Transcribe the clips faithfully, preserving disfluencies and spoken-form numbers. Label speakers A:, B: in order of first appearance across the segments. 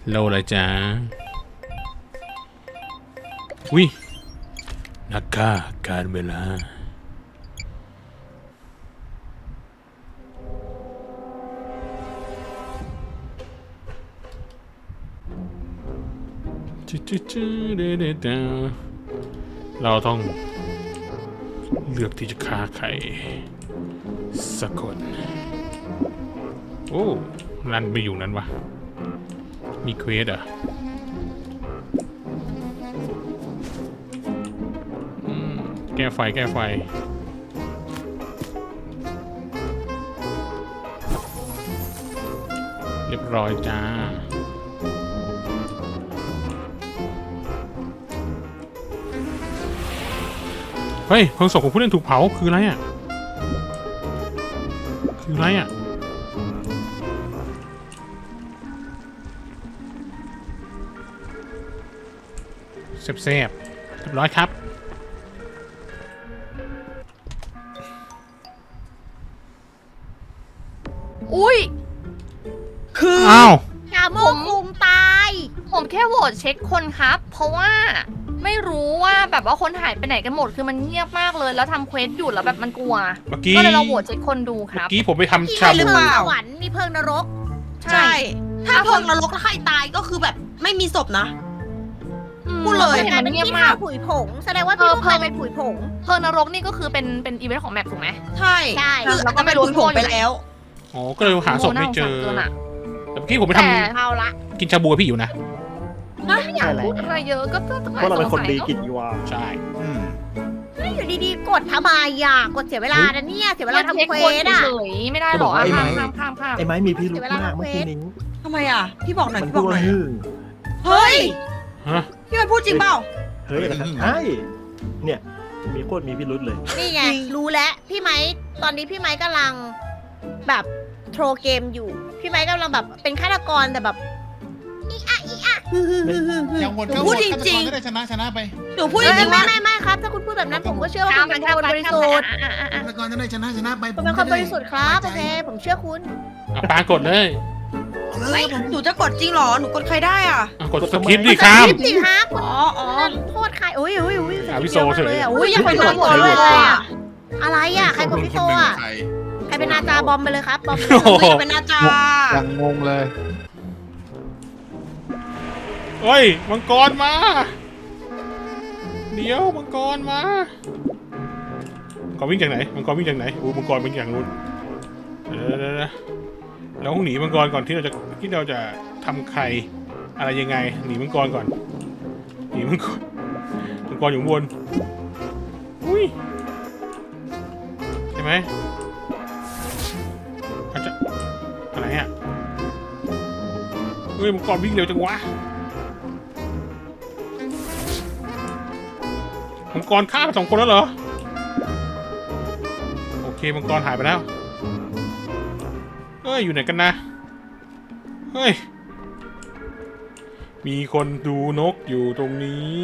A: โลเลยจ้าวินักฆ่าการเวลาเราต้องเลือกที่จะฆ่าใครสักคนโอ้รันไปอยู่นั้นวะมีเควสอ่ะแก้ไฟแก้ไฟเรียบร้อยจ้าเฮ้ยเพลิงศพของผู้เล่นถูกเผาคืออะไรอ่ะคืออะไรอ่ะแซ่บๆเรียบร้อยครับ
B: อุ้ย
C: คือ
A: อ้าว
B: ชาโมกคุงตายผมแค่โหวตเช็คคนครับ เพราะว่าไม่รู้ว่าแบบว่าคนหายไปไหนกันหมดคือมันเงียบมากเลยแล้วทำเควสอยู่แล้วแบบมันกลัว
A: เมื่อกี้
B: ก็เลยเราโหวตเช็คคนดูค
A: เมื่
B: รับ
A: อกี้ผมไปทำชา
C: หรื
A: บู
C: อเปล่า
D: สวรรค์มีเพิงนรก
C: ใช่ ถ้าเพลิงนรกแล้วใครตายก็คือแบบไม่มีศพนะ พูดเลย
B: เห็นมันเงียบมาก
D: ผุยผง แสดงว่าพี่
B: เออ
D: พวก
B: เพิ่
D: เรา
B: ม
D: เป็นผุยผง
B: เพลิงนรกนี่ก็คือเป็นเป็นอีเวนต์ของแมปถูกไหม
C: ใช่
D: ใช่
C: คือ
B: แล้วก็ไม่รู้
C: ผงไปแล้ว
A: อ๋อก็เลยหาศพไม่เจอ
B: โน่าสงสารกินอะ
A: แต่เมื่อกี้ผมไปท
B: แต่
D: เอาละ
A: ำกินชาบูกับพี่อยู่นะ
B: ไม่อยากพูดอะไรเยอะก็ก็
E: เพราะเราเป็นคนดีกิน
B: น
E: อีวา
A: ใช่
E: อืม
D: ไม่อยู่ดีๆ กดทำไมอ่ะกดเสียเวลานะเนี่ย เสียเวลาทำเควสอ่ะ
B: เฉยๆไม่ได้หรอกอ่ะ
E: จะบอกว่าไอ้
B: ข้าม
E: ไม้
B: ข้ามข้ามข้าม
E: ไอ้ไม้มีพิรุธ
D: เวลาม
E: าก
D: ทำ
E: เมื่อ
D: เควส
E: กี้นิ้ง
C: ทำไมอ่ะ พี่บอกหน่อย
E: มัน
C: พี่
E: พู
C: บ
E: ด
C: อกหน่
E: ว่า
C: อย
E: ฮึ่ง
C: เฮ้ย
A: ฮะ
C: พี่มันพูดจริงเปล่า
E: เฮ้ยนะครับใช่เนี่ยมีโคตรมีพิรุธเลย
D: นี่ไง
C: จริง
D: รู้แล้วพี่ไม้ตอนนี้พี่ไม้กำลังแบบโทรเกมอยู่ พี่ไม้กำลังแบบเป็นฆาตกรแต่แบบอีอะอีอะฮึ่มๆๆๆ
F: อย่างวน
C: หนู
F: ก็
C: พูด
F: วน
C: จริงๆ
F: ฆาตกก็ได้ชนะชนะไป
C: หนูพูดจ
D: ไม่
C: ริงๆ
D: ไม่
C: ว่า
D: ไม่ไม่ครับ ถ้าคุณพูดแบบนั้นผมก็เชื่อว่า
B: ข้า
D: คุ
B: ม
D: ณ
B: มั
D: เป็น น
B: ข้าม
D: คน
B: ไป
D: บริ
B: ข้าม
D: สุ
B: ไป
D: ทธิ์
B: อ่ะอ่ะอ่ะ
F: ฆาตกรจะได้ชนะชนะไป
D: คุณเป็นคนบริสุทธิ์ครับโอเคผมเชื่อคุณ
A: อ่ะปากดเลย
F: เอาเล
C: เฮ้
F: ย
C: ย
F: ผม
C: หนูจะกดจริงเหรอ หนูกดใครได้อ่ะ
A: อ่ะกดสคริปต์ดิครับ
D: จริงฮะคุณ
C: อ๋ออ๋อ
D: โทษใครอุ้ยอุ้ยอุ้ย
A: อ่ะพี่โซเฉย
D: เลยอ่ะ
C: อุ้
D: อุ้
C: ย
D: ย
C: อย่าไปโดน
D: หม
C: ตัว
D: ด
C: เล
D: เลย ย
C: อ่ะ
D: อ่ะอะไรอ่ะใครกดพี่โซอ่ะ
F: ใคร
D: ใครเป็นนาจาบอมไปเลยครับบอม
A: โอ้โห
C: อุ้ยเป็นอาจารย์
G: ยังงงเลย
A: เฮ้ยมังกรมา เดี๋ยวมังกรมามังกรวิ่งจากไหนมังกรวิ่งจากไหนโอ้มังกรวิ่งจากนู้นเดี๋ยวเดี๋ยวเดี๋ยวเราต้องหนีมังกรก่อนที่เราจะที่เราจะทำใครอะไรยังไงหนีมังกรก่อนหนีมังกรมังกรอยู่ข้างบนอุ้ยใช่ไหมอาจจะอะไรอ่ะเฮ้ยมังกรวิ่งเร็วจังวะมังกรฆ่าไปสองคนแล้วเหรอโอเคมังกรหายไปแล้วเฮ้ยอยู่ไหนกันนะเฮ้ยมีคนดูนกอยู่ตรงนี้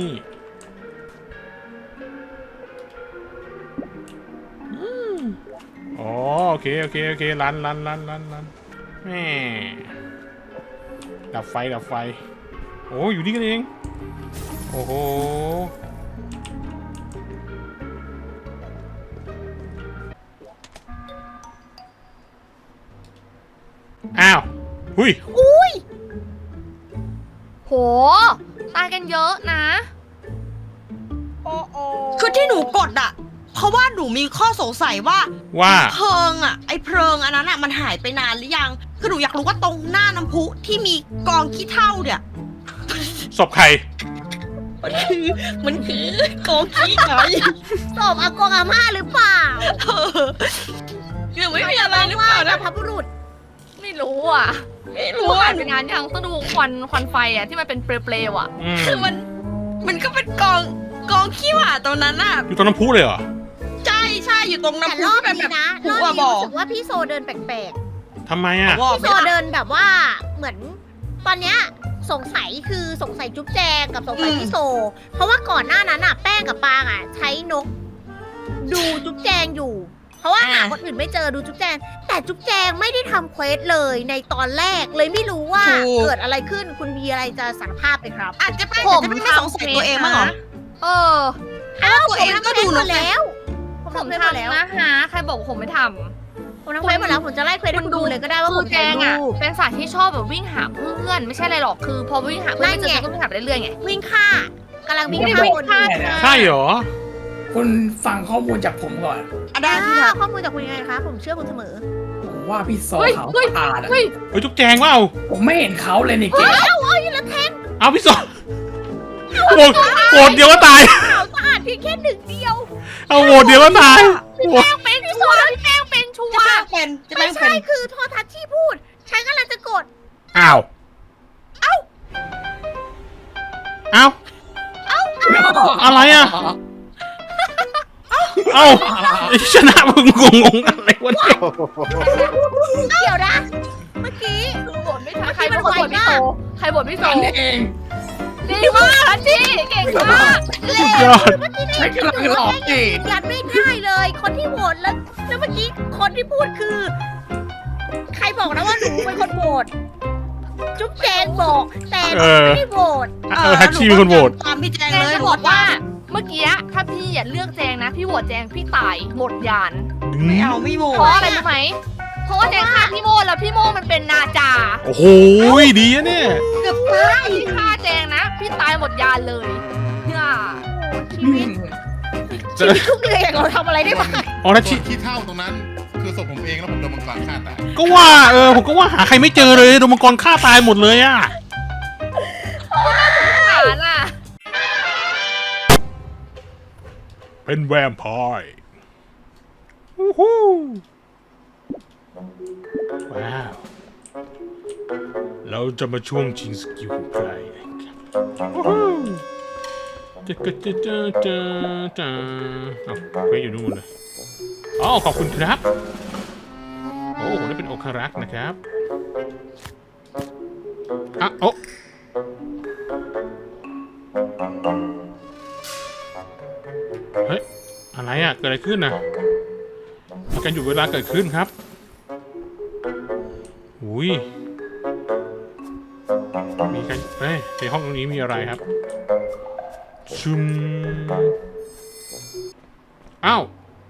A: อืมอ๋อโอเคโอเคโอเคลันลันลันลันลันแม่ดับไฟดับไฟโอ้อยู่นี่กันเองโอ้โหอ้าวหุย
B: โหตายกันเยอะนะ
D: โอ้โอ้
C: คือที่หนูกดอ่ะ เพราะว่าหนูมีข้อสงสัยว่า
A: ว่า
C: เพลิงอ่ะ ไอ้เพลิงอันนั้นอ่ะมันหายไปนานหรือยัง คือหนูอยากรู้ว่าตรงหน้าน้ำพุที่มีกองขี้เถ้าเนี่ย
A: ศพใคร
C: มันคือมันคือกองขี้ไง
D: ศพอากงอาม่าหรือเปล่า
C: เออยังไม่มีอะไรหรือเปล่า
D: บร
C: นะ
D: รพบุรุษ
B: ไม่รู้อ่ะ
C: ไม่
B: รู้
C: รู้
B: ว่า
C: อ่ะ
B: เป็นงานยังต้องดูควันควันไฟอ่ะที่มันเป็นเปลวๆอ่ะ
A: อืม
C: คือมัน มันก็เป็นกองกองขี้หมาตรงนั้นอ่ะ
A: อยู่ตรงน้ำพุเลยเหรอ
C: ใช่ใช่อยู่ตรง
D: แต่
C: น้ำพุ
D: รอบ
C: ที่เป็น
D: นี้
C: แบบ
D: นะ
C: หั
D: รอบ
C: ว
D: นี้
C: บ่อ
D: รู้สึกว่าพี่โซเดินแปลก
A: ทำไมอ่ะ
C: หัว
D: ๆ
C: บ่อ
D: พี่โซเดินแบบว่าเหมือน ตอนเนี้ยสงสัยคือสงสัยจุ๊บแจงกับสงสัยพี่โซ เพราะว่าก่อนหน้านั้นอ่ะแป้งกับปางอ่ะ ใช้นก ดูจุ๊บแจงอยู่ เพราะว่า
C: อ่า
D: หาคนอื่นไม่เจอดูจุ๊บแจง แต่จุ๊บแจงไม่ได้ทำเควสเลยในตอนแรกเลยไม่รู้ว่าเกิดอะไรขึ้นคุณมีอะไรจะสารภาพไหมครับ
C: อาจจะเป็น
B: ผม
C: จะไม่สงสัยตัวเองมั้างเหรอ
B: เออ
C: อ้าวตัวเองก็ดู
D: หม
C: นะ
D: ดแล้ว ผม
B: ผม
D: ทำเควสหมดแล้ว
B: ทำนะฮะใครบอกผมไม่ทำ
D: ผมทำเควสหมดแล้วผมจะไล่เควสให้คุณดูเลยก็ได้ว่า
B: คื
D: คุ
B: อ
D: ณ
B: แจ
D: ถ่าย
B: งอ่ะ
D: รูป
B: เป็นสัตว์ที่ชอบแบบวิ่งหาเพื่อนไม่ใช่อะไรหรอกคือพอวิ่งหาเพื่อนไม่เจอ
D: นั่นไง
B: ก็วิ่งหาไปเรื่อยๆไง
D: วิ่งฆ่ากำลังวิ่ง
B: ไม่ได้
D: ฆ่า
B: วิ่ง
D: คน
B: ฆ่า
A: ใช่เหรอ
G: คุณฟังข้อมูลจากผมก่อน
C: อ่ะได้
D: อ่า
C: พี่ครับ
D: ข้อมูลจากคุณยังไงคะผมเชื่อคุณเสมอ
G: ผมว่าพี่โซ
B: เฮ้ย
G: เขา
B: เฮ้ย
G: ผ่านอะ
B: เฮ้ย
A: เฮ้ยจุ๊บแจงเปล่า
G: ผมไม่เห็นเขาเลยนี่เก๋
A: เอาพี่สอนโหวตโหวตเดียวก็ตาย
D: ขาวสะอาดเพียงแค่หนึ่งเดียว
A: เอาโหวตเดียวก็ตายโหวต
B: เป็นชัวร์พี่แป้งเป็นชัว
C: จะ
B: ร์
C: แป้งเป็นจะ
D: ไม่
C: แป้งเป็
D: ใช่
C: น
D: คือโทรทัศน์ที่พูด ฉันกำลังจะกด
A: อ้าวเอ้าอะไรอ่ะ เอ้าชนะมึงงงๆอะไรวะเนี่ย
D: เดี๋ยวนะ เมื่อกี้
B: คือบ่นไม่ทันใครเป็นคนบ่นพี่โตใครบ่นพี่โต
G: กันเอง
B: ดีมากทันทีเก่งมาก
A: สุดยอด
G: ใช้กำลังหลอกเอง
D: ยันไม่ได้เลย คนที่โหวตแล้วแล้วเมื่อกี้คนที่พูดคือ ใครบอกนะว่าหนูเป็นคนโหวตจุ๊บแจงบอก แต่หนูไม่ได้โหวต
A: เออแท็กซี่เป็นคนโหวต
C: ตามพี่แจง
B: แจ
C: เล
B: ง
C: ย
B: จะบอกว่าเมื่อกี้ถ้าพี่อย่าเลือกแจงนะ พี่โหวตแจงพี่ตายหมดยาน
C: ไม่เอาไม่โหว
B: เพราะ
C: ต
B: อะไรรู้ไหมเพราะว่าแจงฆ่าพี่โมแล้วพี่โมมันเป็นนาจา
A: โอ้โหดีอะเนี่ย
C: เกือบตาย
B: พี่ฆ่าแจงนะ พี่ตายหมดยานเลยเนี่ย
D: ชีวิตชีวิตทุกเดือนอย่างเราทำอะไรได้บ้าง
A: อ๋อนะ
F: ส่
A: ชิ
F: วนขี้เท่าตรงนั้น คือศพผมเองแล้วผมโดนมังกรฆ่าตาย
A: ก็ว่าเออผมก็ว่าหาใครไม่เจอเลยโดนมังกรฆ่าตายหมดเลยอ่ะ
B: ฐานอ่ะ
A: เป็นแวมไพร์วู้ฮู้ว้าว เราจะมาช่วงชิงสกิลของใครนะครับวู้ฮู้จะจะจะจะจะจะเอาเควสอยู่นู่นเลยอ๋อขอบคุณครับ โอ้ผมได้เป็นองครักษ์นะครับอ่ะโอ้เฮ้ย อะไรอ่ะ เกิดอะไรขึ้นนะมีการหยุดเวลาเกิดขึ้นครับอุ้ยมีการเอ้ยในห้องตรงนี้มีอะไรครับ ชุมอ้าว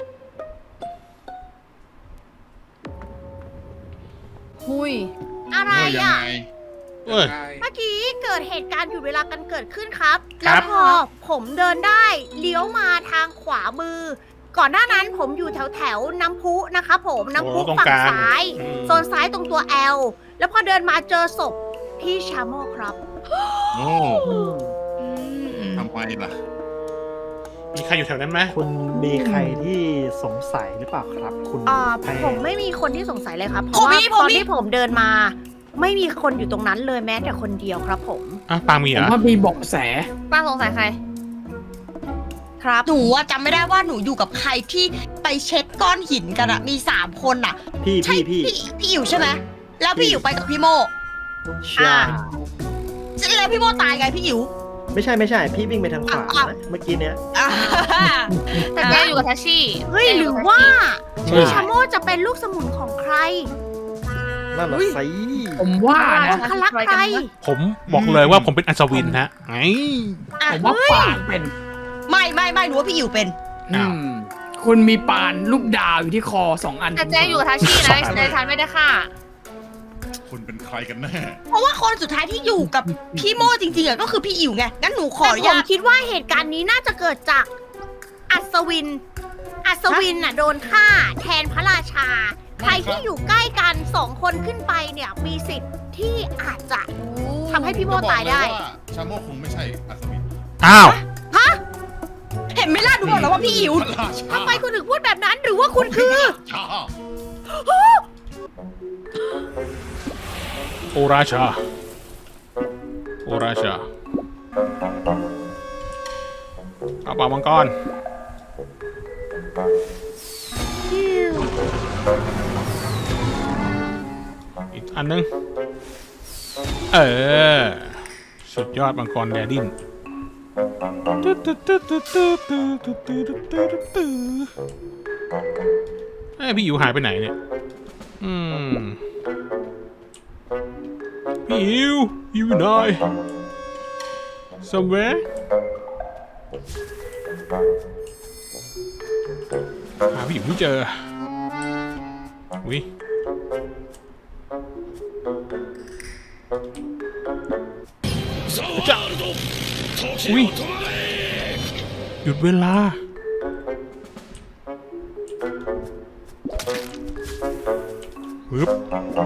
B: หุย
D: อะไร
F: เออยัง
D: อ่ะ
F: ไง
A: เอ้ย
D: เมื่อกี้เกิดเหตุการณ์หยุดเวลากันเกิดขึ้นครับ
A: ครั
D: แล้ว
A: บ
D: พอผมเดินได้เลี้ยวมาทางขวามือ ก่อนหน้านั้นผมอยู่แถวแถวๆน้ำพุนะคะผมน้ำพุ
A: โอ้ตรง
D: ฝั่
A: ก
D: ง
A: ลาง
D: ซ้าย
A: อืม
D: โซนซ้ายตรงตัว L แล้วพอเดินมาเจอศพพี่ชาโมครับ
F: โอ้ทำไมล่ะ
A: มีใครอยู่แถวนั้นไหม
E: คุณมีใครที่สงสัยหรือเปล่าครับ คุณ
D: อ่า
E: แป้ง
D: ผมไม่มีคนที่สงสัยเลยครับ เพ
C: ผม
D: ราะว่า
C: มีผม
D: ตอน
C: มี
D: ที่ผมเดินมา ไม่มีคนอยู่ตรงนั้นเลยแม้แต่คนเดียวครับผม
A: อ่ะปางมี
G: ผ
A: เหร
G: ม
A: อ
G: ว่ามีเบอกแส
B: ป้าสงสัยใคร
D: ครับ
C: หนูอะจำไม่ได้ว่าหนูอยู่กับใครที่ไปเช็ดก้อนหินกันอะมีสามคนอะ
E: พี่
C: ใช่
E: พี่พี่
C: พี่พี่อิ๋วใช่ไหมแล้วพี่อิ๋วไปกับพี่โม
E: ใช่
C: แล้วพี่โมตายไงพี่อิ๋ว
E: ไม่ใช่ไม่ใช่ พี่วิ่งไปทางขวา
C: อ่ะ
E: นะเมื่อกี้เนี้ย
C: อ่า
B: แต่แจงอยู่กับทัชชี่
D: เฮ้ย
B: แจง
D: ห
B: ยู่
D: รือ
B: กับ
D: ว่า
A: เฮ้
D: พี่
A: ย
D: ชาโมจะเป็นลูกสมุนของใคร
E: นั่นน่ะสิ
G: ผมว่านะ
D: คลักใคร
A: ผมบอกเลยว่าผมเป็นอัศวินฮะไง
C: อ่ะ
G: ผมว่าปานเป็น
C: ไม่ไม่ไม่หนูว่าพี่อิ๋วเป็น
G: อืมคุณมีปานลูกดาวอยู่ที่คอสองอัน
B: แต่แจงอยู่กับทัชชี่นะในทันไม่ได้ฆ่า
F: คุณเป็นใครกันแน่
C: เพราะว่าคนสุดท้ายที่อยู่กับพี่โมจริงๆอะก็คือพี่อิ๋วไงงั้นหนูขออนุ
D: แต่ผ
C: ญาม ต
D: คิดว่าเหตุการณ์นี้น่าจะเกิดจากอัศวิน อัศวินน่ะโดนฆ่าแทนพระราชา ใครที่อยู่ใกล้กันสองคนขึ้นไปเนี่ยมีสิทธิ์ที่อาจจะทำให้พี่โม
F: จะบอก
D: ตาย
F: เลย
D: ได้
F: ว่าชาโมคงไม่ใช่อัศวิน
A: อ้าว
C: เห็นไหมล่ะหนูบอกแล้วว่าพี่อิ๋ว
F: พระราชา
D: ทำไมคุณถึงพูดแบบนั้นหรือว่าคุณคือ
F: ชา
A: โอราชา โอราชาเอาปากมังกรอีกอันนึง เออ สุดยอดมังกรแดดินอ้ยพี่อิ๋วหายไปไหนเนี่ย อืม พี่อิ๋วอยู่ไหน somewhere หาพี่อิ๋วไม่เจออุ้ยจะอุ้ยหยุดเวลาฮึบ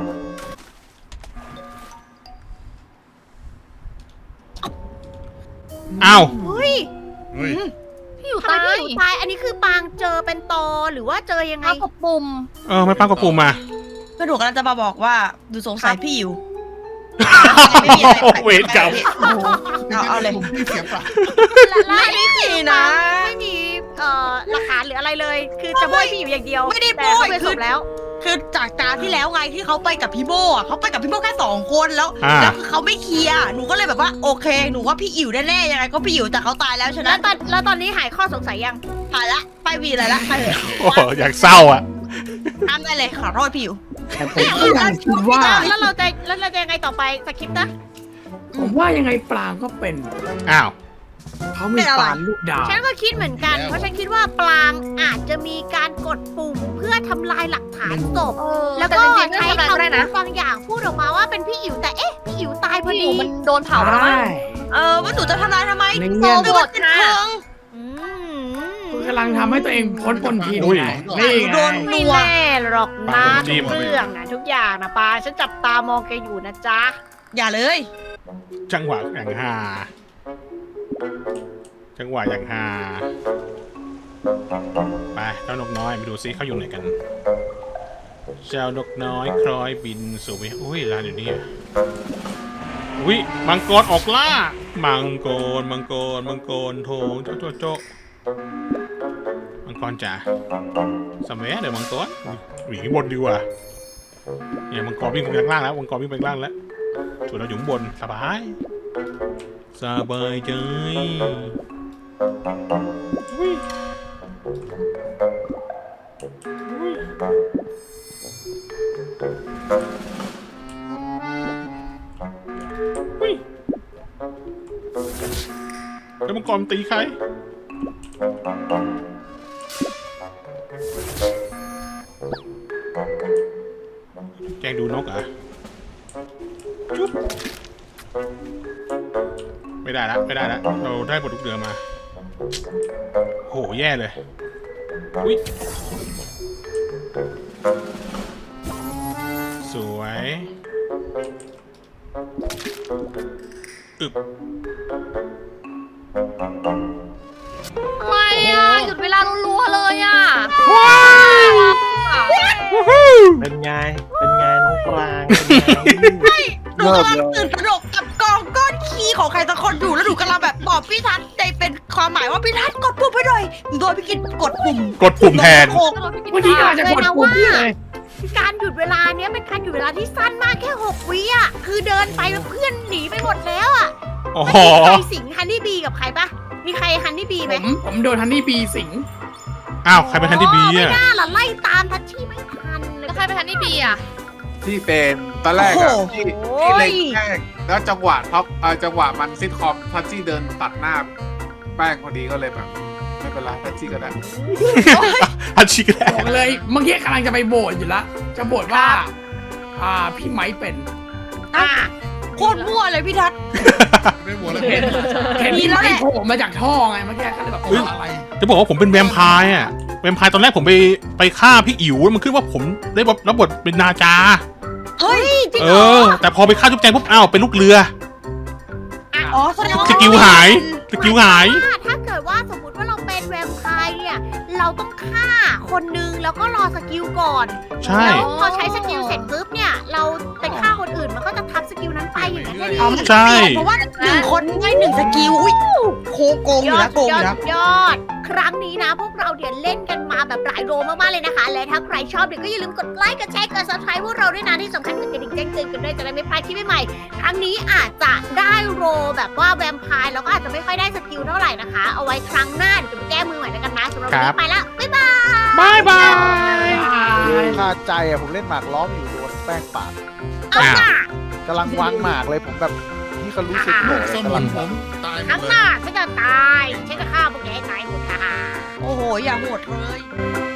A: อ้าว
D: เฮ้ย
F: เฮ้ย
B: พี่อยู่
D: ทำไม
B: ตาย
D: พี่อยู่ตายอันนี้คือปางเจอเป็นตอหรือว่าเจอยังไง
B: เอากดปุ่ม
A: เออไม่ป้ากระปูมา
C: ก็หนูกำลังจะมาบอกว่าดูสงสัยพี่อยู่
A: เวรกรรม
C: เอาเอาเลย
F: ผมไม่เสียเปล่า
D: และอันนี้คือ
C: ไม่
D: ปา
C: นะ
D: งไม่มีเอ่อหลักฐานหรืออะไรเลย คือจะโบยพี่อยู่อย่างเดียว
C: ไม่ได้
D: แต่
C: โบย
D: เขาไป
C: คื
D: ศ
C: อ
D: พแล้ว
C: คือจากการที่แล้วไงที่เขาไปกับพี่โบอ่ะเขาไปกับพี่โบแค่สองคนแล้ว
A: อ่า
C: แล้วคือเขาไม่เคลียร์หนูก็เลยแบบว่าโอเคหนูว่าพี่อิ๋วแน่ๆยังไงก็พี่อิ๋วแต่เขาตายแล้วฉะ
D: แล้
C: นั้
D: วน ตอนแล้วตอนนี้หายข้อสงสัยยัง
C: ผ่านละไปวีอะไรละไปเลย
A: โอ้โหอยากเศร้าอ่ะ
C: ทำได้เลยขอโทษพี่อิ๋ว
G: แต่ผมก็ยังคิดว่า
D: แล้วเราจะแล้วเราจะยังไงต่อไปสคริปต์นะ
G: ผมว่ายังไงปลางก็เป็น
A: อ้าว
G: เขามีปานลูกดาว
D: ฉันก็คิดเหมือนกัน เพราะฉันคิดว่าปลางอาจจะมีการกดปุ่มเพื่อทำลายหลักฐานศพ
B: เออ
D: แล้ว
B: แต่
D: ก็
B: จริงๆ
D: ใช้
B: ไม่ทำอะไรก็ได้
D: คำพู
B: นะ
D: ดบางอย่างพูดออกมาว่าเป็นพี่อิ๋วแต่เอ๊ะพี่อิ๋วตายพอ
B: พี่อ
D: ดี
B: ยู่มันโดนเผาไปแล้วมั้ง
G: ใช่
C: เออว่าหนูจะทำลายทำไม
G: ใน
C: โซ
G: แง่
C: ไม่ว่าเป็นเพลิง
D: อืม
G: คุณกำลังทำให้ตัวเองพ้นปนทิน
A: อุ้ย
G: ไงนี่
C: โด
G: ไง
C: น
D: ไม่แน่หรอกนะ
A: จิ้
D: ทุ
A: ม
D: กเรื่องนะทุกอย่างนะปาฉันจับตามองแกอยู่นะจ๊ะ
C: อย่าเลย
A: จังหวะอย่างฮาจังหวะอย่างฮาไปเจ้านกน้อยไปดูซิเขาอยู่ไหนกัน เจ้านกน้อยคล้อยบินสู่ไปอุ้ยร้านอยู่นี่อะอุ้ยมังกรออกล่า มังกรมังกรมังกรโถงโจ๊ะโจ๊ะโจ๊ะมังกรจ๋าสมัยเดี๋ยวมังกรหวีบนดีกว่าเนี่ยมังกรวิ่งไปข้างล่างแล้วมังกรวิ่งไปข้างล่างแล้วส่วนเราอยู่ข้างบนสบายสบายใจอุ้ยอุ้ยอุ้ยแล้วมังกรมันตีใครแกล้งดูนกเหรอ่ะจุ๊บไม่ได้ละไม่ได้ละเราได้บทลูกเรือมาโหแย่เลยอุ้ยสวยอึบ
B: อะไรอ่ะ หยุดเวลารัวๆเลยอ่ะ
E: เป็นไง เป็นไงน้องปรางเป็นไง
C: หนูกำลังตื่นตระหนกกับกองก้อนขี้ของใครสักคนอยู่แล้วหนูกำลังแบบบอกพี่ทัศน์ในเป็นความหมายว่าพี่ทัศน์กดปุ่มให้หน่อยโดยพี่กินกดปุ่ม
A: กดปุ่มแทน
C: โคก
G: เมื่อกี้กำลังจะกดปุ่มพี่เลย
D: การหยุดเวลาเนี้ยเป็นการหยุดเวลาที่สั้นมากแค่หกวิอ่ะคือเดินไปแล้วเพื่อนหนีไปหมดแล้วอ่ะ
A: อ๋อ
D: ใครสิงฮันนี่บีกับใครปะมีใครฮันนี่บี
G: ผ
D: ไหม
G: มผมโดนฮันนี่บีสิง
A: อ้าวใครเป็นทันที่บี
D: ไม่
A: อ่ะ
D: น่าล่ะไล่ตามทัชชี่ไม่ทันเลย
B: แล้วใครไปทันนี่บีอ่ะ
H: ที่เป็นตอนแรกอะที่ที่เล็งแป้งแล้วจังหวะท็อปเออจังหวะมันซิทคอมทัชชี่เดินตัดหน้าแป้งพอดีก็เลยแบบไม่เป็นไรทัชชี่ก็ได้
A: ทันชิกแล้
G: บอกเลยเมื่อกี้กำลังจะไปโบสอยู่ละจะโบสว่า อ่าพี่ไม้เป็น
C: อ่ะโคตรมั่วเลยพี่ทัศน์
F: ไม่หมดเลย
G: เห็นเห็น
C: มี
G: พี่
C: แล้ว
G: ไม้
C: แหละ
G: โผล่มาจากท่อไงเมื่อกี้ก็เลยแบบ
F: เฮ้ยอะไร
A: จะบอกว่าผมเป็นแวมไพร์อ่ะแวมไพร์ตอนแรกผมไปไปฆ่าพี่อิ๋วแล้วมันขึ้นว่าผมได้รับบทเป็นนาจา
C: เฮ้ย
D: จริง
A: เอ
D: เหรอ
A: อ แต่พอไปฆ่าจุ๊บแจงปุ๊บอ้าวเป็นลูกเรือ
C: อ๋อแสดงว่า
A: สกิลหายสกิลหาย
D: ถ้าถ้าเกิดว่าสมมติว่าเราเป็นแวมไพร์เนี่ย เราต้องฆ่าคนนึงแล้วก็รอสกิลก่อน
A: ใช่
D: แล้วพอใช้สกิลเสร็จปุ๊บเนี่ย เราไปฆ่าคนอื่นมันก็จะทับสกิลนั้นไปอย่างนั้นได้ดี
C: อ๋อมัน
A: ใช่
C: เพราะว่าหนึ่งคนได้หนึ่งสกิลอุ้ยโคโกงอยู่
D: ยอ
C: แล้
D: ด
C: วโกงอย
D: อ
C: ยู่
D: ด
C: แล้ว
D: ยอด ครั้งนี้นะ พวกเราเดี๋ยวเล่นกันมาแบบหลายโรมากๆเลยนะคะ และถ้าใครชอบเดี๋ยวก็อย่าลืมกดไลค์กดแชร์กด ซับสไครบ์พวกเราด้วยนะที่สำคัญกดกระดิ่งแจ้งเตือนกันด้วยจะได้ไม่พลาดคลิปใหม่ๆครั้งนี้อาจจะได้โรแบบว่าแวมไพร์แล้วก็อาจจะไม่ค่อยได้สกิลเท่าไหร่นะคะ เอาไว้ครั้งหน้าเดี๋ยวจะไปแก้มือใหม่แล้วกันนะสำหรับวัน
A: ครั
D: นี้
A: บ
D: ไปละบ๊ายบาย
A: บายบาย
G: อ่า
I: าใจอะผมเล่นหมากล้อมอยู่โดนแป้งปาด
D: เอาหน้าก
I: ำลังวางหมากเลยผมแบบนี่เขารู้สึกโกรธ
F: ส
I: กำ
F: มุ
I: ลั
F: น
I: ง
F: ผมตายหม
D: ครั้
F: ด
D: ง
F: เล
D: ห
F: ย
D: น้าฉันจะตายฉันจะฆ่าพวกแกให้ตายหมดค่ะ
C: โอ้โห อย่าโหดเลย
D: เ